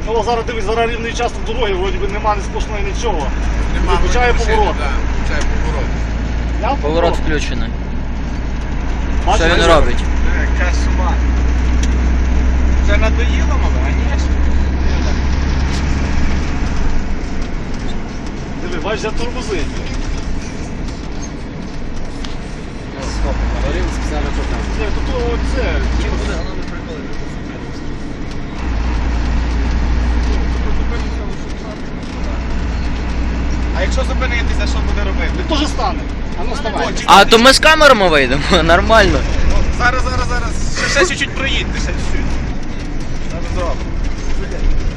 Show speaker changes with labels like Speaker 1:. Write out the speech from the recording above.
Speaker 1: Ну, зараз дивись, зараз рівний участок дороги, вроді би нема ні сплошної нічого.
Speaker 2: Нема,
Speaker 1: Включає
Speaker 2: машини,
Speaker 1: поворот.
Speaker 2: да, включає поворот.
Speaker 1: Я
Speaker 3: Поворот включений.
Speaker 1: Бачиш,
Speaker 3: Що він
Speaker 1: бачиш?
Speaker 3: робить?
Speaker 2: Кошмар. Це надоїло, мабуть? Конечно.
Speaker 1: Диви, бачиш, я тормозить.
Speaker 4: Говорив, сказали, що там.
Speaker 1: Ні, то оце.
Speaker 2: А якщо зупинитися, що буде робити?
Speaker 1: Він теж стане.
Speaker 4: А ну вставай.
Speaker 3: А то ми з камерами вийдемо, нормально.
Speaker 2: Зараз. Ще чуть-чуть проїдьте, ще чуть-чуть. Зараз зробимо.